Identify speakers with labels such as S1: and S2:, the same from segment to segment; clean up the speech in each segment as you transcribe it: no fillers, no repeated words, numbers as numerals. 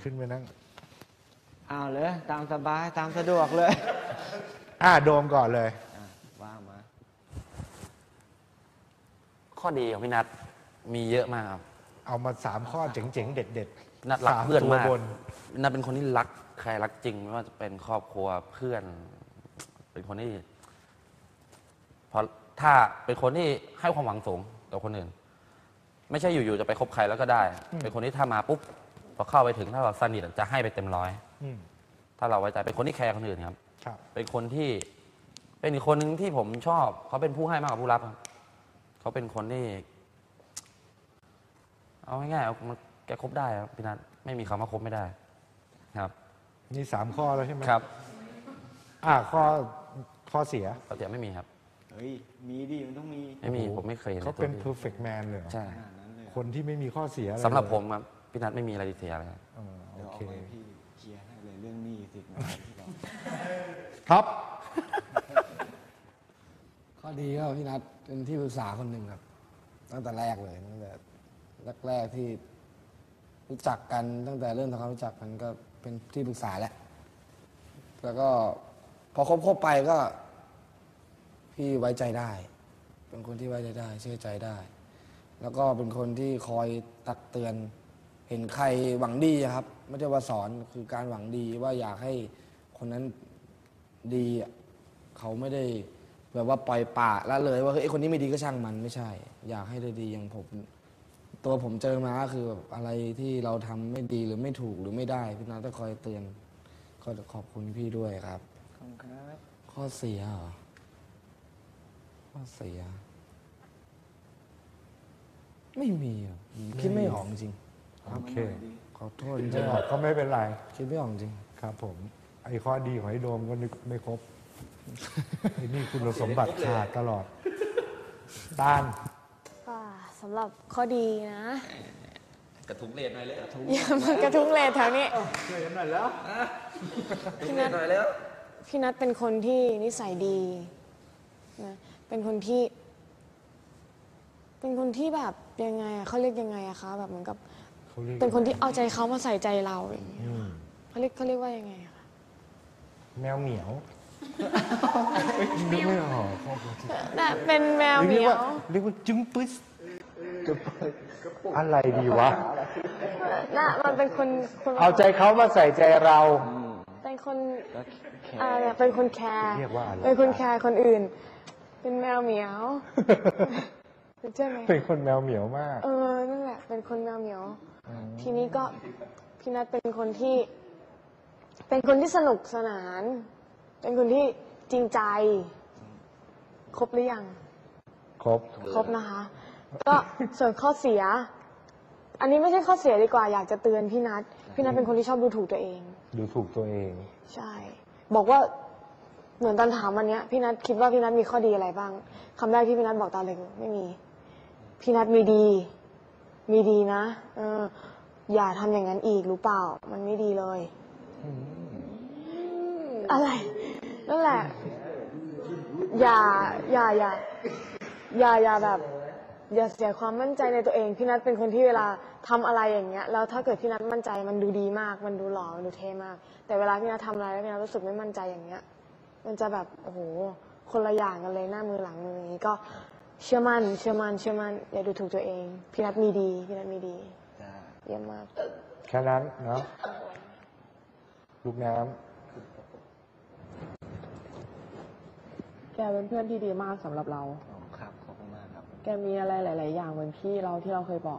S1: ขึ้นไปนั่ง
S2: เอาเลยตามสบายตามสะดวกเลย
S1: โดมก่อนเลย
S2: ว่ามา
S3: ข้อดีของพี่นัทมีเยอะมากครับ
S1: เอามา3 ข้อเจ๋งๆ เด็ด
S3: ๆนัทรักเพื่อนมาก
S1: บน
S3: นัทเป็นคนที่รักใครรักจริงไม่ว่าจะเป็นครอบครัวเพื่อน เป็นคนที่พอถ้าเป็นคนที่ให้ความหวังสูงต่อคนอื่น ไม่ใช่อยู่ๆจะไปคบใครแล้วก็ได้ เป็นคนที่ถ้ามาปุ๊บพอเข้าไปถึงถ้าเราสนิทจะให้ไปเต็มร้อยถ้าเราไว้ใจเป็นคนที่แคร์คนอื่นครับเป็นคนที่เป็นอีกคนหนึ่งที่ผมชอบเขาเป็นผู้ให้มากกว่าผู้รับครับเขาเป็นคนที่เอาง่ายๆแกคบได้ครับพี่นัทไม่มีคำว่าคบไม่ได้ครับ
S1: นี่3 ข้อแล้วใช่ไหม
S3: ครับ
S1: ข้อเสีย
S3: ไม่มีครับ
S2: เฮ้ยมีดิมันต้องมี
S3: ไม่มีผมไม่เคย
S1: เขาเป็น perfect man เลย
S3: ใช่
S1: คนที่ไม่มีข้อเสีย
S3: สำหรับผมครับพี่นัทไม่มีอะไรเสียเลย
S2: โอเคพี่เคลียร์ให้เลยเรื่องหนี้สิ
S1: ครับ
S4: ข้อดีก็พี่นัทเป็นที่ปรึกษาคนหนึ่งครับตั้งแต่แรกเลยตั้งแต่แรกที่รู้จักกันตั้งแต่เริ่มทำความรู้จักกันก็เป็นที่ปรึกษาแล้วก็พอคบไปก็พี่ไว้ใจได้เป็นคนที่ไว้ใจได้เชื่อใจได้แล้วก็เป็นคนที่คอยตักเตือนเห็นใครหวังดีครับไม่ใช่ว่าสอนคือการหวังดีว่าอยากให้คนนั้นดีเขาไม่ได้แบบว่าปล่อยป่าละเลยว่าเฮ้ยคนนี้ไม่ดีก็ช่างมันไม่ใช่อยากให้ได้ดีอย่างผมเจอมาก็คือแบบอะไรที่เราทำไม่ดีหรือไม่ถูกหรือไม่ได้พี่นัทต้องคอยเตือนก็ขอบคุณพี่ด้วยครับ
S2: ขอบคุณครับ
S4: ข้อเสียเหรอข้อเสียไม่มีคิดไม่ออกจริง
S1: โอเค
S4: ขอโทษจริง
S1: ก็ไม่เป็นไร
S4: คิดไม่ออกจริง
S1: ครับผมไอ้ข้อดีของไอ้โดมก็นึกไม่ครบไอ้นี่คุณสมบัติขาดตลอดต้าน
S5: สำหรับข้อดีนะ
S3: กระทุ้งเลนหน่อยเลย
S5: อย่ามากระทุ้งเลนแถวนี้
S1: ช่วยกันหน่อยแล้ว
S5: พี่นัทพี่นัทเป็นคนที่นิสัยดีนะเป็นคนที่แบบยังไงเขาเรียกยังไงอะคะแบบเหมือนกับเป็นคนที่เอาใจเขามาใส่ใจเราอย่างเงี้ยเขาเรียกว่ายังไงคะ
S1: แมวเหมียวนึกไม่ออก
S5: น่ะเป็นแมวเหมียว
S1: เรียกว่าจึ้งปึ๊สอะไรดีวะ
S5: น่ะมันเป็นคน
S1: เอาใจเขามาใส่ใจเรา
S5: เป็นคนเป็นคนแคร์เป็นคนแคร์คนอื่นเป็นแมวเหมียวใช่ไหม
S1: เป็นคนแมวเหมียวมาก
S5: นั่นแหละเป็นคนแมวเหมียวทีนี้ก็พี่นัทเป็นคนที่สนุกสนานเป็นคนที่จริงใจครบหรือยังครบนะคะก็ส่วนข้อเสียอันนี้ไม่ใช่ข้อเสียดีกว่าอยากจะเตือนพี่นัทเป็นคนที่ชอบดูถูกตัวเองใช่บอกว่าเหมือนตอนถามวันนี้พี่นัทคิดว่าพี่นัทมีข้อดีอะไรบ้างคำแรกที่พี่นัทบอกตอนเลยไม่มีพี่นัทมีดีนะอย่าทำอย่างนั้นอีกรู้เปล่ามันไม่ดีเลยอะไรนั่นแหละอย่าแบบอย่าเสียความมั่นใจในตัวเองพี่นัทเป็นคนที่เวลาทำอะไรอย่างเงี้ยแล้วถ้าเกิดพี่นัทมั่นใจมันดูดีมากมันดูหล่อมันดูเท่มากแต่เวลาพี่นัททำอะไรแล้วพี่นัทรู้สึกไม่มั่นใจอย่างเงี้ยมันจะแบบโอ้โหคนละอย่างกันเลยหน้ามือหลังมืออย่างนี้ก็เชื่อมั่นอย่าดูถูกตัวเองพี่นัทมีดีเยี่ยมมาก
S1: แค่นั้นเนาะลูกน้ำ
S6: แกเป็นเพื่อนที่ดีมากสำหรับเรา
S2: ครับขอบคุณมากครับ
S6: แกมีอะไรหลายๆอย่างเหมือนพี่เราที่เราเคยบอก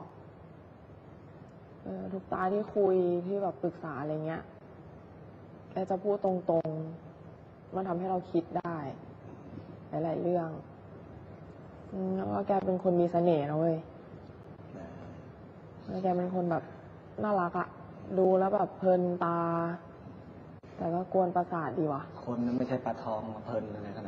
S6: ทุกตาที่คุยที่แบบปรึกษาอะไรเงี้ยแกจะพูดตรงๆมันทำให้เราคิดได้หลายๆเรื่องแล้วก็แกเป็นคนมีเสน่ห์นะเว้ยแล้วแกเป็นคนแบบน่ารักอะดูแล้วแบบเพลินตาแต่ก็กวนประสาทดีว่ะ
S2: คนนั้นไม่ใช่ปลาทองมาเพลินอะไรขนาด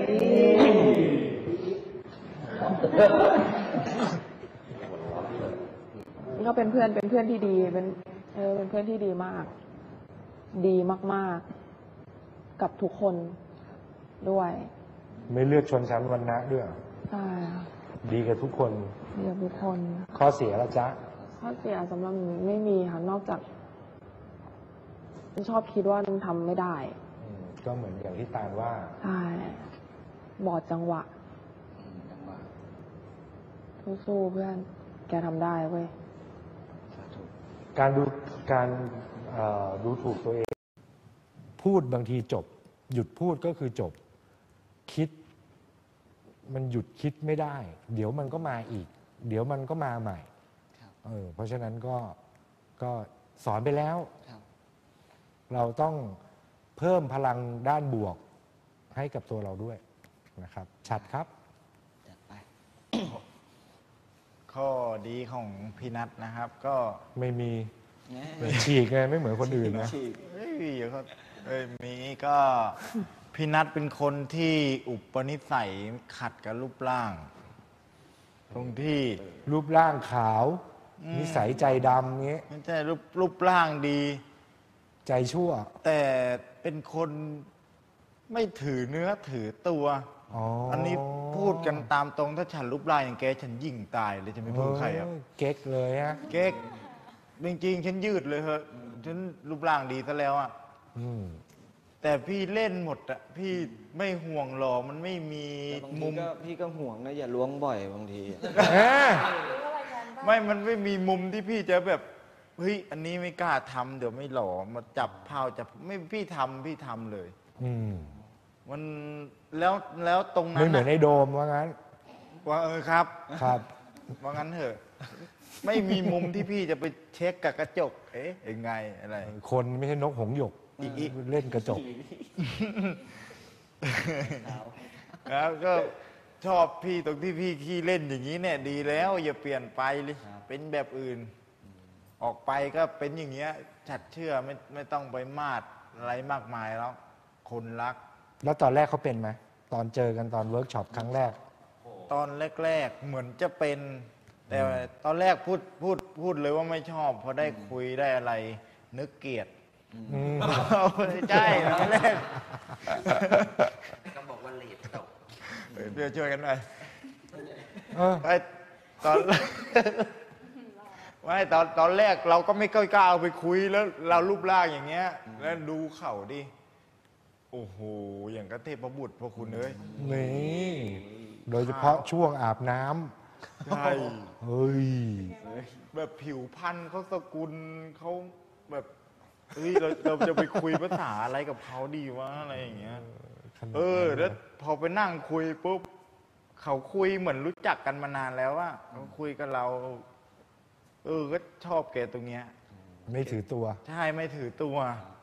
S6: นี้ก็เป็นเพื่อนที่ดีเป็นเพื่อนที่ดีมากดีมากๆกับทุกคนด้วย
S1: ไม่เลือกชนชั้นวรรณะด้วย
S6: ใช่
S1: ดีกับทุกคน
S6: ดีกับทุกคน
S1: ข้อเสียละจ๊ะ
S6: ข้อเสียสำหรับหนูไม่มีค่ะนอกจากชอบคิดว่ามันทำไม่ได้
S1: ก็เหมือนอย่างที่ตาลว่า
S6: ใช่บอดจังหวะสู้ๆเพื่อนแกทำได้เว้ย
S1: การดูถูกตัวเอง พูดบางทีจบ หยุดพูดก็คือจบ คิด มันหยุดคิดไม่ได้ เดี๋ยวมันก็มาอีก เดี๋ยวมันก็มาใหม่เพราะฉะนั้นก็สอนไปแล้ว เราต้องเพิ่มพลังด้านบวกให้กับตัวเราด้วยนะครับ ชัดครับ
S7: ข้อดีของพี่นัทนะครับ ก็
S1: ไม่มีฉีกไงไม่เหมือนคนอื่นนะ
S7: เฮ้ยเดี๋ยวเขามีก็พี่นัทเป็นคนที่อุปนิสัยขัดกับรูปร่าง ตรงที่
S1: รูปร่างขาว นิสัยใจดำเงี้ย
S7: ไม่ใช่รูปร่างดี
S1: ใจชั่ว
S7: แต่เป็นคนไม่ถือเนื้อถือตัวอันนี้พูดกันตามตรงถ้าฉันรูปร่างอย่างแกฉันยิ่งตายเลยจะไม่พูดใครอ่ะ
S1: เก๊กเลยฮะ
S7: เก๊กจริงๆฉันยืดเลยเหอะฉันรูปร่างดีซะแล้วอ่ะ แต่พี่เล่นหมดอะพี่ไม่ห่วงหรอกมันไม่มี
S2: บางที
S7: มุม
S2: ก็พี่ก็ห่วงนะอย่าล้วงบ่อยบางที
S7: มันไม่มีมุมที่พี่จะแบบเฮ้ยอันนี้ไม่กล้าทำเดี๋ยวไม่หล่อมาจับเผาจับไม่พี่ทำเลยมันแล้วตรงนั้น
S1: ไม่เหมือนไอ้โดมว่างั้น
S7: ว่าครับ
S1: ครับ
S7: ว่างั้นเถอะ ไม่มีมุมที่พี่จะไปเช็คกับกระจก เอ๊ะยังไงอะไร
S1: คนไม่ใช่นกหงส์หยกเล่นกระจก
S7: แล้วก็ชอบพี่ตรงที่พี่ขี้เล่นอย่างนี้เนี่ย ดีแล้วอย่าเปลี่ยนไปเลยเป็นแบบอื่น ออกไปก็เป็นอย่างเงี้ยฉัดเชื่อไม่ต้องไปมาดอะไรมากมายแล้ว คนรัก
S1: แล้วตอนแรกเขาเป็นไหมตอนเจอกันตอนเวิร์กช็อปครั้งแรก
S7: ตอนแรกๆเหมือนจะเป็น แต่ตอนแรกพูดเลยว่าไม่ชอบพอได้คุยได้อะไร นึกเกลียดใช่ตอนแรก
S3: ก็บอกว่าเลดตก
S7: เดี๋ยวช่วยกันหน่อย
S1: เออ
S7: ตอนไม่ตอนแรกเราก็ไม่กล้าเอาไปคุยแล้วเรารูปร่างอย่างเงี้ย แล้วดูเข่าดิโอ้โหอย่างกระเทพบุตรพวกคุณเอ้ย
S1: นี่โดยเฉพาะช่วงอาบน้ำ
S7: ใช่
S1: เฮ้ย
S7: แบบผิวพรรณเขาสกุลเขาแบบเฮ้ยเราจะไปคุยภาษาอะไรกับเขาดีวะอะไรอย่างเงี้ยแล้วพอไปนั่งคุยปุ๊บเขาคุยเหมือนรู้จักกันมานานแล้วว่าเขาคุยกับเราก็ชอบแกตรงเนี้ย
S1: ไม่ถือตัว
S7: ใช่ไม่ถือตัว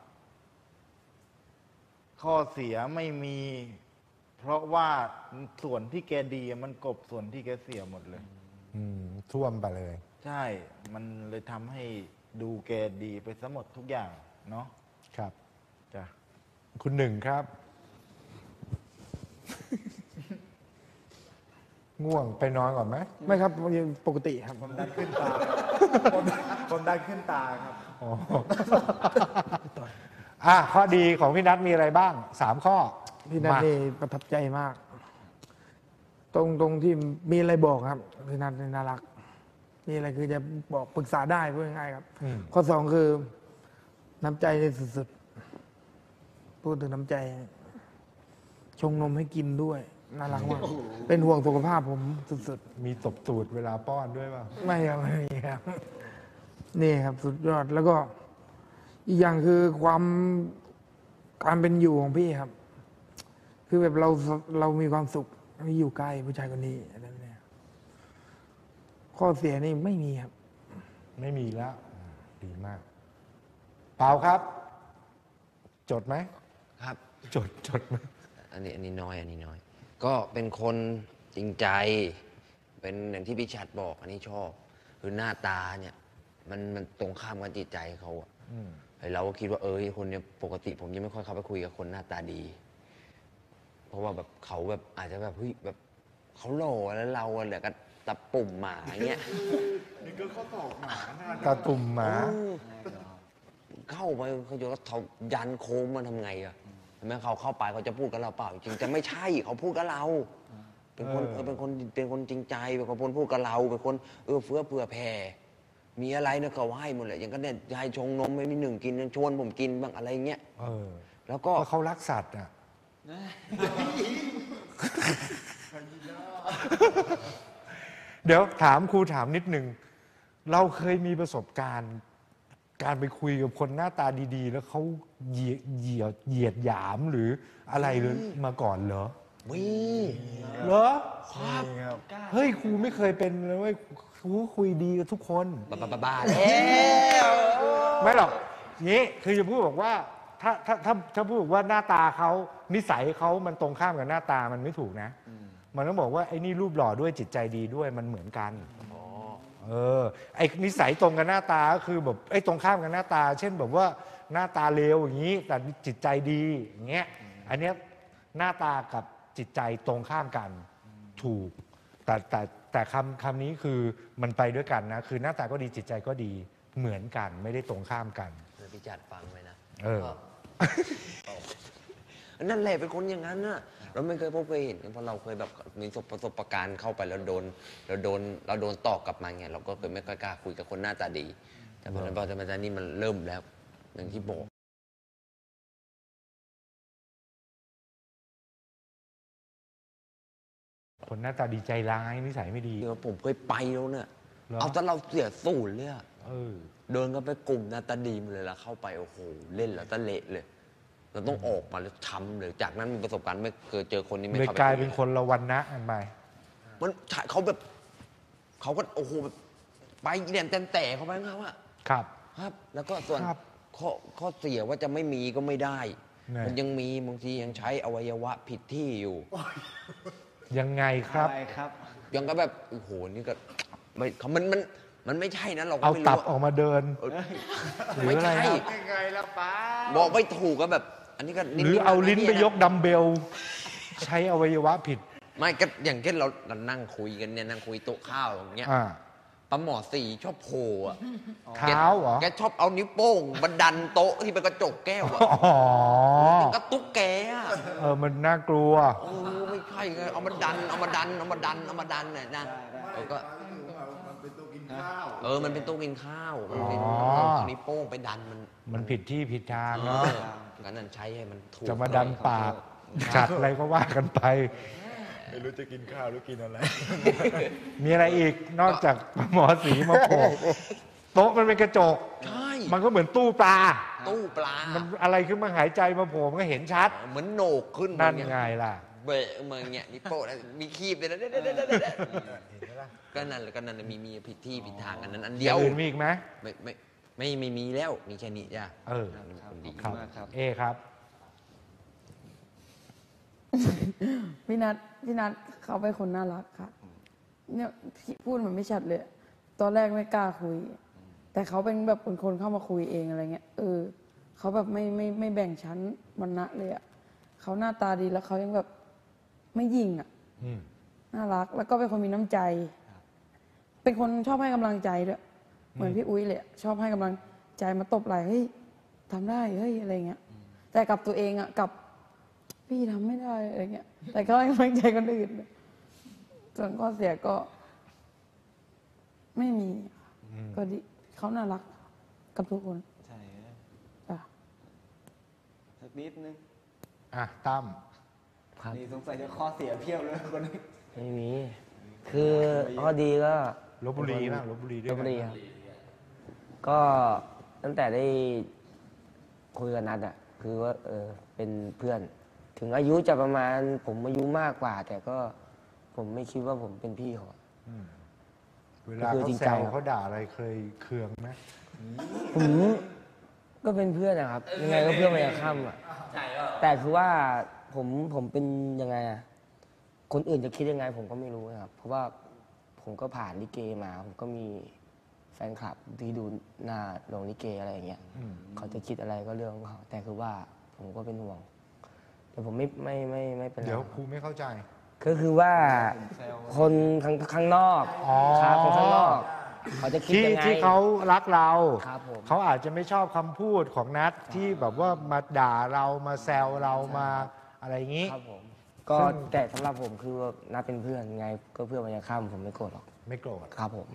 S7: ข้อเสียไม่มี เพราะว่าส่วนที่แกดีมันกลบส่วนที่แกเสียหมดเลย
S1: ท่วมไปเลย
S7: ใช่ มันเลยทำให้ดูแกดีไปซะหมดทุกอย่าง เนาะ
S1: ครับ
S7: จ้ะ
S1: คุณหนึ่งครับ ง่วงไปนอนก่อนไหม
S4: ไม่ครับยังปกติครับ
S7: ความดันขึ้นตาความดันขึ้นตาครับ
S1: ข้อดีของพี่นัทมีอะไรบ้าง3 ข้อ
S4: พี่นัท
S1: มา
S4: นี่ประทับใจมาก ตรงที่มีอะไรบอกครับพี่นัทนี่น่ารักมีอะไรคือจะบอกปรึกษาได้พูดง่ายๆครับ ข้อ 2คือน้ำใจในสุดๆพูดถึงน้ำใจ ชงนมให้กินด้วยน่ารักมากเป็นห่วงสุขภาพผมสุด
S1: มีตบตูดเวลาป้อนด้วยป่ะ
S4: ๆไม่ครับไม่มีครับนี่ครับ สุดยอดแล้วก็อีกอย่างคือการเป็นอยู่ของพี่ครับ คือแบบเรามีความสุขที่อยู่ใกล้ผู้ชายคนนี้อะไรแบบนี้ข้อเสียนี่ไม่มีครับ
S1: ไม่มีแล้ว ดีมาก เปล่าครับ จดไหม
S8: ครับ
S1: จดไหม
S8: อันนี้น้อย ก็เป็นคนจริงใจ เป็นอย่างที่พี่ชัดบอก อันนี้ชอบ คือหน้าตาเนี่ย มันตรงข้ามกับจิตใจเขาอะเราก็คิดว่าคนเนี่ยปกติผมยังไม่ค่อยเข้าไปคุยกับคนหน้าตาดี เพราะว่าแบบเขาแบบอาจจะแบบเฮ้ยแบบเขาหล่อแล้วเราเหลือกับตะปุ่มหมาเงี้ย
S7: นี่ก็ข้อศอกหมาหน้า
S1: ตาตุ่มหมา
S8: เข้าไปเขาจะเขายันโค้งมันทำไงอะเห็นไหมเขาเข้าไปเขาจะพูดกับเราเปล่าจริงแต่ไม่ใช่เขาพูดกับเรา เป็นคนเป็นคนจริงใจเป็นคนพูดกับเราเป็นคนเฟื้อเผื่อแผ่มีอะไรเนี่ยเขาให้หมดเลยอย่างก็เนี่ยให้ชงนมให้พี่หนึ่งกินชวนผมกินบ้างอะไรเงี้ย
S1: เออ
S8: แล้วก็
S1: ก็เขารักสัตว์อ่ะ เดี๋ยวถามครูถามนิดนึง เราเคยมีประสบการณ์ การไปคุยกับคนหน้าตาดีๆ แล้วเขาเหยียดหยามหรืออะไรเลยมาก่อนเหรอ
S8: มี
S1: เหรอ
S7: นี่ครับ
S1: เฮ้ยครูไม่เคยเป็นเลยเว้ยครูคุยดีกับทุกคน
S8: บ้าแล้ว
S1: ไม่หรอกงี้คือจะพูดบอกว่าถ้าพูดบอกว่าหน้าตาเขานิสัยเขามันตรงข้ามกับหน้าตามันไม่ถูกนะ มันต้องบอกว่าไอ้นี่รูปหล่อด้วยจิตใจดีด้วยมันเหมือนกันไอ้นิสัยตรงกับหน้าตาก็คือแบบไอ้ตรงข้ามกับหน้าตา เช่นแบบว่าหน้าตาเลวอย่างนี้แต่จิตใจดีอย่างเงี้ยอันเนี้ยหน้าตากับจิตใจตรงข้ามกันถูกแต่คำนี้คือมันไปด้วยกันนะคือหน้าตาก็ดีจิตใจก็ดีเหมือนกันไม่ได้ตรงข้ามกัน
S8: พี่จัดฟังไว้นะ
S1: ก็
S8: นั่นแหละเป็นคนอย่างนั้นน่ะเราไม่เคยพบเคยเห็นเพราะเราเคยแบบมีประสบการณ์เข้าไปแล้วโดนตอกกลับมาไงเราก็เคยไม่ค่อยกล้าคุยกับคนหน้าตาดี แต่พอจะมานี่มันเริ่มแล้วอย่างที่บอก
S1: คนหน้าตาดีใจร้ายนิสัยไม่ดี
S8: เดี๋ยวผมเคยไปแล้วเนี่ย
S1: เหรอ
S8: เอาแต่เราเสียสูญเลยอะ
S1: เออ
S8: เดินกันไปกลุ่มหน้าตาดีมาเลยละเข้าไปโอ้โหเล่นแล้วตะเละเลยเราต้องออกมาแล้วช้ำเลยจากนั้นมีประสบการณ์ไม่เคยเจอคนนี้ไม่
S1: เลย
S8: เข้าไป
S1: กลายเป็นคนละวันนะกันไป
S8: มันเขาแบบเขาก็โอ้โหแบบไปเรียนแต่เขาไปเขาอะ
S1: ครับ
S8: ครับ แล้วก็ส่วน
S1: ครับ
S8: ข้อเสียว่าจะไม่มีก็ไม่ได้
S1: ไง
S8: มันยังมีบางทียังใช้อวัยวะผิดที่อยู่
S1: ยังไงครับ
S2: อะไรครับ
S8: ยังก็แบบโอ้โหนี่ก็ไม่มันไม่ใช่นะเราก็
S1: เอา
S8: ไม่
S1: ตั
S8: รู้
S1: บออกมาเดิน
S8: เออ
S1: หรือ
S8: ไม่
S1: อะไร
S8: ใช่
S1: ครับ
S7: ยังไงล่ะป้า
S8: บอกไม่ถูกก็แบบ อันนี้ก็นิด
S1: หรือ
S8: ๆ
S1: เอาลิ้นไป
S8: ะ
S1: ยกดัมเบล ใช้อวัยวะผิด
S8: ไม่ก็อย่างเช่นเรานั่งคุยกันเนี่ยนั่งคุยโต๊ะข้าวอย่างเงี้ย
S1: อ่า
S8: ปลาหมอสีชอบโผล่อะ
S1: เท้าเหรอ
S8: แกชอบเอานิ้วโป้งบันดันโต๊ะที่เป็นกระจกแก้วอะ
S1: อ๋อ
S8: กระตุ๊กแกอะ
S1: มันน่ากลัว
S8: โอ้ไม่ใช่ไงเอามาดันเนี่ยนะแล้วก็มันเป็นโต๊ะกินข้าวมันเป็นเอานิ้วโป้งไปดันมัน
S1: ผิดที่ผิดทางเนาะ
S8: งั้นนั่นใช้ให้มันถูก
S1: จะมาดันปากจัดอะไรก็ว่ากันไป
S7: ไม่รู้จะกินข้าวหรือกินอะไร
S1: มีอะไรอีกนอกจากหมอสีมาโผล่โต๊ะมันเป็นกระจก
S8: ใช่
S1: มันก็เหมือนตู้ปลา
S8: ตู้ปลา
S1: มันอะไรขึ้นมาหายใจมาโผล่มันก็เห็นชัด
S8: เหมือนโหนกขึ้น
S1: นั่น
S8: มาเย
S1: ไงล่ะ
S8: เบะมาอย่างเงี้ยนิ้วโป้งแล้วมีคีบเลยนะก็นั่นแหละมีผิดที่ผิดทางอันนั้นอัน
S1: อ
S8: เดีย
S1: ย่าว งอื่นมีอีกไหม
S8: ไม่มีแล้วมีแค่นี้จ้ะ
S1: เออ
S8: คนดี
S1: ครับ
S2: มากครับ
S1: เอครับ
S6: พี่นัทเขาเป็นคนน่ารักค่ะ เนี่ยพี่พูดมันไม่ชัดเลย ตอนแรกไม่กล้าคุย แต่เขาเป็นแบบคนเข้ามาคุยเองอะไรเงี้ย เขาแบบไม่แบ่งชั้นวรรณะเลยอ่ะเขาหน้าตาดีแล้วเขายังแบบไม่ยิงอ่ะ
S1: อืม
S6: น่ารัก แล้วก็เป็นคนมีน้ำใจ เป็นคนชอบให้กำลังใจด้วยเหมือนพี่อุ้ยเลยอะชอบให้กำลังใจมาตบไหล่เฮ้ยทำได้เฮ้ยอะไรเงี้ย แต่กับตัวเองอ่ะกับพี่ทำไม่ได้อะไรเงี้ย แต่เขาให้กำลังใจคนอื่น ส่วนข้อเสียก็ ไม่มีค่ะก็ดีเขาน่ารักกับทุกคน
S2: ใช่
S6: จ้ะ
S2: สักนิดนึง
S1: อ่ะตั้ม
S2: ครับนี่สงสัยจะข้อเสียเพียบเลยคนนี้
S9: ไม่มี คือข้อดีก็
S1: ลบบุรีป่ะลบบุรีด้วย
S9: ลบบุรีครับ ก็ตั้งแต่ได้คุยกับนัดอ่ะ คือว่าเป็นเพื่อน ถึงอายุจะประมาณผมอายุมากกว่า แต่ก็ผมไม่คิดว่าผมเป็นพี่เขา
S1: เวลา
S9: ก็คือ
S1: เขา
S9: จริง
S1: แซ
S9: ใจ
S1: ว
S9: ครับ
S1: เขาด่าอะไรเคยเคืองไหม
S9: ผมก็เป็นเพื่อนนะครับ ยังไงก็เพื่อนมาจากค่ำอ่ะแต่คือว่าผมเป็นยังไงอ่ะ คนอื่นจะคิดยังไง ผมก็ไม่รู้นะครับ เพราะว่าผมก็ผ่านลิเกมา ผมก็มีแฟนคลับที่ดูหน้าโรงลิเกอะไรอย่างเงี้ยเขาจะคิดอะไรก็เรื่องของเขาแต่คือว่าผมก็เป็นห่วง แต่ผมไม่เป็นไร
S1: เดี๋ยวครูไม่เข้าใจ
S9: ก็คือว่าคนข้างนอก
S1: อ๋อ
S9: ครับคนข้างนอก เขาจะคิดยังไง
S1: ที่เขารักเรา
S9: ครับผม
S1: เขาอาจจะไม่ชอบคำพูดของนัทที่แบบว่ามาด่าเรามาแซวเรามาอะไรอย่างนี้
S9: ครับผม ก็แต่สำหรับผมคือนับเป็นเพื่อนไง ก็เพื่อนมันจะข้ามผมไม่โกรธหรอก
S1: ไม่โกรธ
S9: ครับผม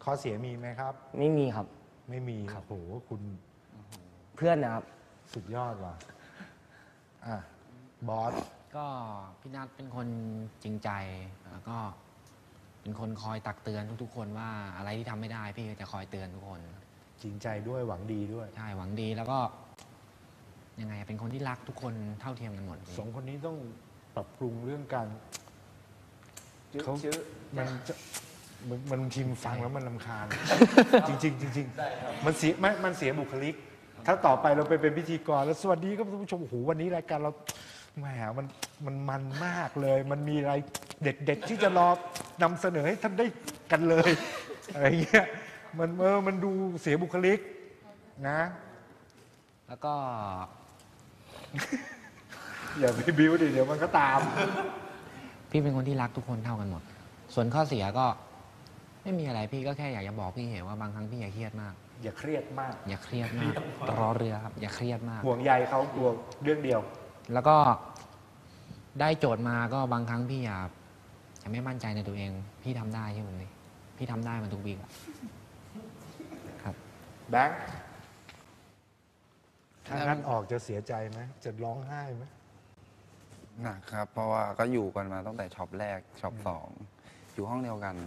S1: ข้อเสียมีไหมครับ
S9: ไม่มีครับ
S1: ไม่มีโอ้โหคุณ
S9: เพื่อนนะครับ
S1: สุดยอดว่ะอ่ะบอส
S10: ก็พี่นัทเป็นคนจริงใจแล้วก็เป็นคนคอยตักเตือนทุกๆ คนว่าอะไรที่ทำไม่ได้พี่ก็จะคอยเตือนทุกคน
S1: จริงใจด้วยหวังดีด้วย
S10: ใช่หวังดีแล้วก็ยังไงเป็นคนที่รักทุกคนเท่าเทียมกันหมดพี่
S1: สองคนนี้ต้องปรับปรุงเรื่องการเขามันทีมฟังแล้วมันลำคาญ จริงๆจริงๆมันเสียบุคลิก ถ้าต่อไปเราไปเป็นพิธีกรแล้วสวัสดีครับท่านผู้ชมโอ้โหวันนี้รายการเราแหมมันมากเลย มันมีอะไรเด็ดๆที่จะรอนำเสนอให้ท่านได้กันเลยอะไรเงี้ยมันดูเสียบุคลิกนะ
S10: แล้วก็
S1: อย่าไปบิ้วดิเดี๋ยวมันก็ตาม
S10: พี่เป็นคนที่รักทุกคนเท่ากันหมด ส่วนข้อเสียก็ไม่มีอะไรพี่ก็แค่อยากจะบอกพี่เห็นว่าบางครั้งพี่อย่าเครียดมาก
S1: อย่าเครียดมาก
S10: อย่าเครียดมากรอเรือครับอย่าเครียดมาก
S1: ห่วงใยเขากลัวเรื่องเดียว
S10: แล้วก็ได้โจทย์มาก็บางครั้งพี่อย่าไม่มั่นใจในตัวเอง พี่ทำได้ใช่ไหมพี่พี่ทำได้มาทุกวีคอะครับ
S1: แบงค์ถ้างั้นออกจะเสียใจไหมจะร้องไห้ไหม
S11: หนักครับ เพราะว่าก็อยู่กันมาตั้งแต่ช็อปแรกช็อป2อยู่ห้องเดียวกัน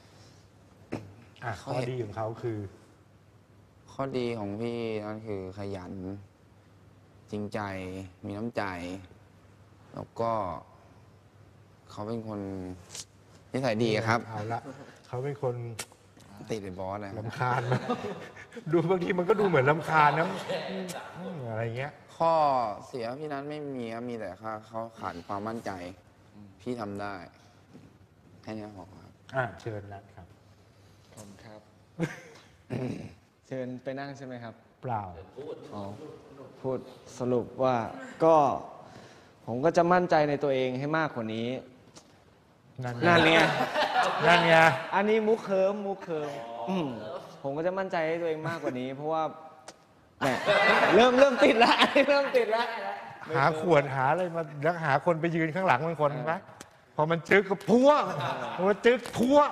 S1: ข้อดีของเขาคือ
S11: ข้อดีของพี่นั่นคือขยัน จริงใจมีน้ำใจ แล้วก็เขาเป็นคนนิสัยดีครับ
S1: เอาละเขาเป็นคน
S11: ติดเป็นบอสเลยครับ
S1: ลำคาญไหมดูบางทีมันก็ดูเหมือนลำคาญนะอะไรเงี้ย
S11: ข้อเสียพี่นั้นไม่มีครับมีแต่เขาขาดความมั่นใจ พี่ทำได้แค่นี้พอครับ
S1: เชิญนัดครับ
S2: ผมครับ เชิญไปนั่งใช่ไหมครับ
S1: เปล่า
S2: อ๋อพูดสรุปว่าก็ผมก็จะมั่นใจในตัวเองให้มากกว่านี้ นั่นไง
S1: นั่นไง
S2: อันนี้มุกเคิมผมก็จะมั่นใจให้ตัวเองมากกว่านี้ เพราะว่าแหมเริ่มติดแล้วอันนี้เริ่มติดแล้ว
S1: หาขวดหาอะไรมาแล้วหาคนไปยืนข้างหลังเป็นคนไหมพอมันจึกก็พัวพอมันจึกพัว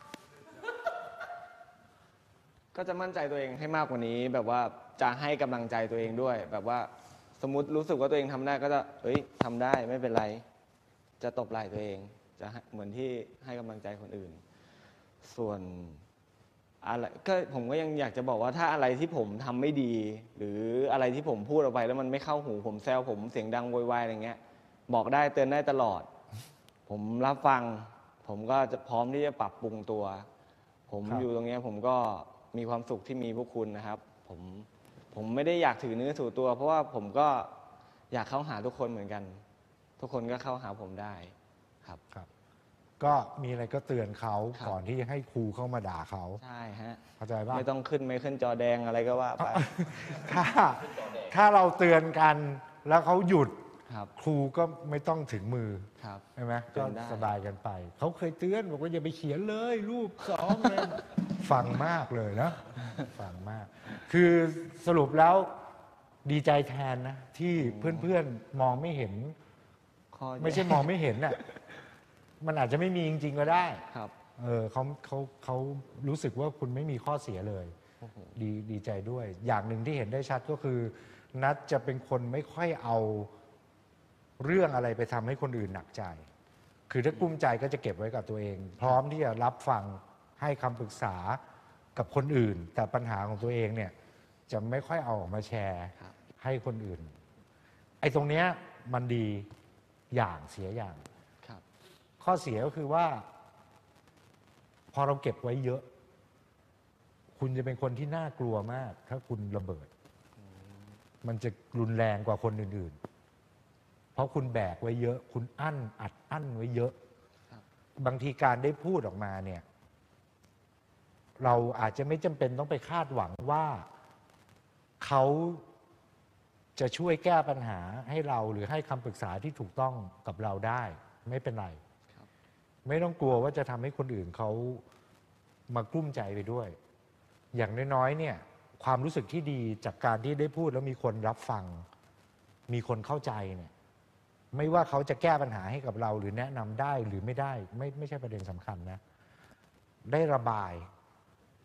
S2: ก็จะมั่นใจตัวเองให้มากกว่านี้ แบบว่าจะให้กำลังใจตัวเองด้วย แบบว่าสมมติรู้สึกว่าตัวเองทำได้ก็จะทำได้ไม่เป็นไร จะตบไหล่ตัวเองจะเหมือนที่ให้กำลังใจคนอื่น ส่วนอะไรก็ผมก็ยังอยากจะบอกว่าถ้าอะไรที่ผมทำไม่ดี หรืออะไรที่ผมพูดออกไปแล้วมันไม่เข้าหูผมแซวผมเสียงดังโวยวายอะไรเงี้ยบอกได้เตือนได้ตลอด ผมรับฟัง ผมก็จะพร้อมที่จะปรับปรุงตัว ผมอยู่ตรงนี้ผมก็มีความสุขที่มีพวกคุณนะครับ ผมไม่ได้อยากถือเนื้อถือตัว เพราะว่าผมก็อยากเข้าหาทุกคนเหมือนกัน ทุกคนก็เข้าหาผมได้ครับ
S1: ก็มีอะไรก็เตือนเขาก่อนที่จะให้ครูเข้ามาด่าเขา
S2: ใช่ฮะ
S1: เข้าใจป่ะ
S2: ไม่ต้องขึ้นจอแดงอะไรก็ว่าไป
S1: ถ้าเราเตือนกันแล้วเขาหยุด
S2: ครับ
S1: ครูก็ไม่ต้องถึงมือ
S2: ครับ
S1: ใช่ไหม
S2: เตื
S1: ก็
S2: อนได้
S1: สบายกันไป เขาเคยเตือนบอกว่าอย่าไปเขียนเลยรูปสองเลย ฟังมากเลยนะฟังมาก คือสรุปแล้วดีใจแทนนะ ที่เพื่อนๆมองไม่เห็น ไม่ใช่มองไม่เห็นน่ะมันอาจจะไม่มีจริงๆก็ได้
S2: ครับ
S1: เขารู้สึกว่าคุณไม่มีข้อเสียเลย ดีใจด้วย อย่างหนึ่งที่เห็นได้ชัดก็คือ นัทจะเป็นคนไม่ค่อยเอาเรื่องอะไรไปทำให้คนอื่นหนักใจ คือถ้ากลุ้มใจก็จะเก็บไว้กับตัวเอง พร้อมที่จะรับฟังให้คำปรึกษากับคนอื่น แต่ปัญหาของตัวเองเนี่ยจะไม่ค่อยเอาออกมาแชร์ให้คนอื่น ไอ้ตรงเนี้ยมันดีอย่างเสียอย่าง
S2: ครับ
S1: ข้อเสียก็คือว่า พอเราเก็บไว้เยอะ คุณจะเป็นคนที่น่ากลัวมาก ถ้าคุณระเบิด มันจะรุนแรงกว่าคนอื่นๆ เพราะคุณแบกไว้เยอะ คุณอัดอั้นไว้เยอะ บางทีการได้พูดออกมาเนี่ย เราอาจจะไม่จำเป็นต้องไปคาดหวังว่าเขาจะช่วยแก้ปัญหาให้เราหรือให้คำปรึกษาที่ถูกต้องกับเราได้ ไม่เป็นไร ไม่ต้องกลัวว่าจะทำให้คนอื่นเขามากลุ้มใจไปด้วย อย่างน้อยๆเนี่ย ความรู้สึกที่ดีจากการที่ได้พูดแล้วมีคนรับฟัง มีคนเข้าใจเนี่ย ไม่ว่าเขาจะแก้ปัญหาให้กับเราหรือแนะนำได้หรือไม่ได้ ไม่ใช่ประเด็นสำคัญนะ ได้ระบาย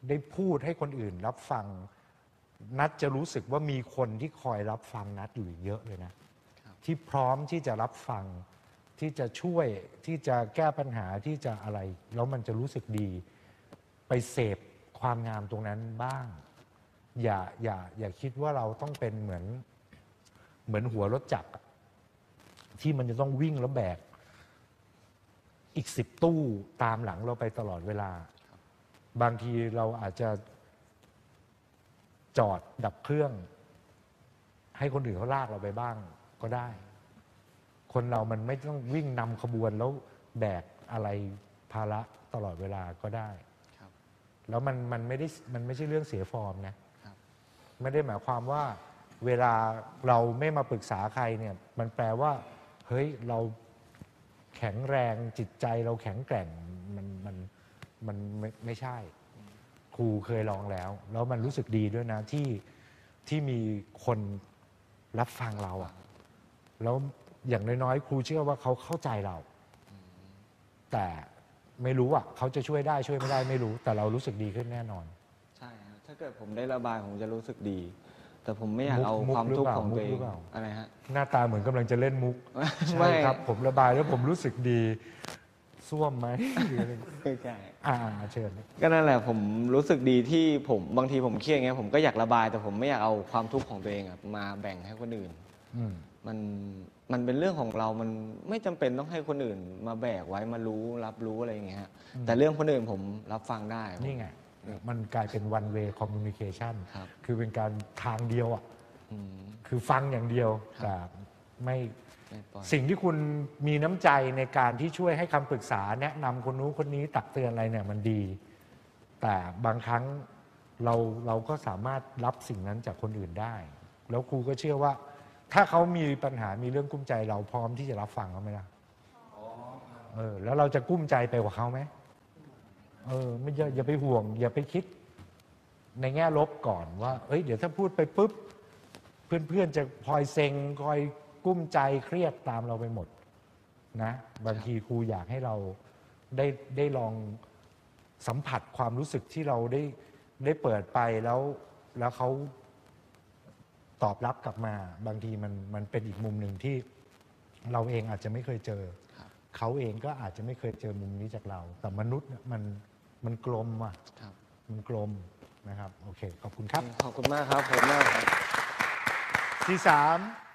S1: ได้พูดให้คนอื่นรับฟัง นัดจะรู้สึกว่ามีคนที่คอยรับฟังนัดอยู่เยอะเลยนะ ที่พร้อมที่จะรับฟังที่จะช่วยที่จะแก้ปัญหาที่จะอะไรแล้วมันจะรู้สึกดี ไปเสพความงามตรงนั้นบ้าง อย่าคิดว่าเราต้องเป็นเหมือนหัวรถจักรที่มันจะต้องวิ่งแล้วแบกอีก10 ตู้ตามหลังเราไปตลอดเวลา บางทีเราอาจจะจอดดับเครื่อง ให้คนอื่นเขาลากเราไปบ้างก็ได้ คนเรามันไม่ต้องวิ่งนำขบวนแล้วแบกอะไรภาระตลอดเวลาก็ได้แล้วมันไม่ใช่เรื่องเสียฟอร์มนะไม่ได้หมายความว่าเวลาเราไม่มาปรึกษาใครเนี่ยมันแปลว่าเฮ้ยเราแข็งแรงจิตใจเราแข็งแกร่งมันไม่ใช่ ครูเคยลองแล้วมันรู้สึกดีด้วยนะที่มีคนรับฟังเราอะแล้วอย่างน้อยๆครูเชื่อว่าเขาเข้าใจเรา แต่ไม่รู้อ่ะเขาจะช่วยได้ช่วยไม่ได้ไม่รู้ แต่เรารู้สึกดีขึ้นแน่นอน ใช่ครับถ้าเกิดผมได้ระบายผมจะรู้สึกดี แต่ผมไม่อยากเอาความทุกข์ของตัวเองอะไรฮะหน้าตาเหมือนกำลังจะเล่นมุกใช่ครับผมระบายแล้วผมรู้สึกดีส้วมไหมไม่ใช่เชิญก็นั่นแหละผมรู้สึกดีที่ผมบางทีผมเครียดไงผมก็อยากระบายแต่ผมไม่อยากเอาความทุกข์ของตัวเองมาแบ่งให้คนอื่นมันเป็นเรื่องของเรามันไม่จำเป็นต้องให้คนอื่นมาแบกไว้มารู้รับรู้อะไรอย่างเงี้ยแต่เรื่องคนอื่นผมรับฟังได้นี่ไงมันกลายเป็น one way communication คือเป็นการทางเดียวอ่ะคือฟังอย่างเดียวแต่ไม่สิ่งที่คุณมีน้ำใจในการที่ช่วยให้คำปรึกษาแนะนำคนนู้นคนนี้ตักเตือนอะไรเนี่ยมันดี แต่บางครั้งเราก็สามารถรับสิ่งนั้นจากคนอื่นได้แล้วครูก็เชื่อว่าถ้าเขามีปัญหามีเรื่องกุ้มใจเราพร้อมที่จะรับฟังเขาไหมล่ะแล้วเราจะกุ้มใจไปกว่าเขาไหมไม่อย่าไปห่วงอย่าไปคิดในแง่ลบก่อนว่าเดี๋ยวถ้าพูดไปปุ๊บเพื่อนๆจะคอยเซ็งคอยกุ้มใจเครียดตามเราไปหมดนะบางทีครูอยากให้เราได้ลองสัมผัสความรู้สึกที่เราได้เปิดไปแล้วเขาตอบรับกลับมาบางทีมันเป็นอีกมุมหนึ่งที่เราเองอาจจะไม่เคยเจอเขาเองก็อาจจะไม่เคยเจอมุมนี้จากเราแต่มนุษย์มันกลมอ่ะมันกลมนะครับโอเคขอบคุณครับขอบคุณมากครับผมมากที่3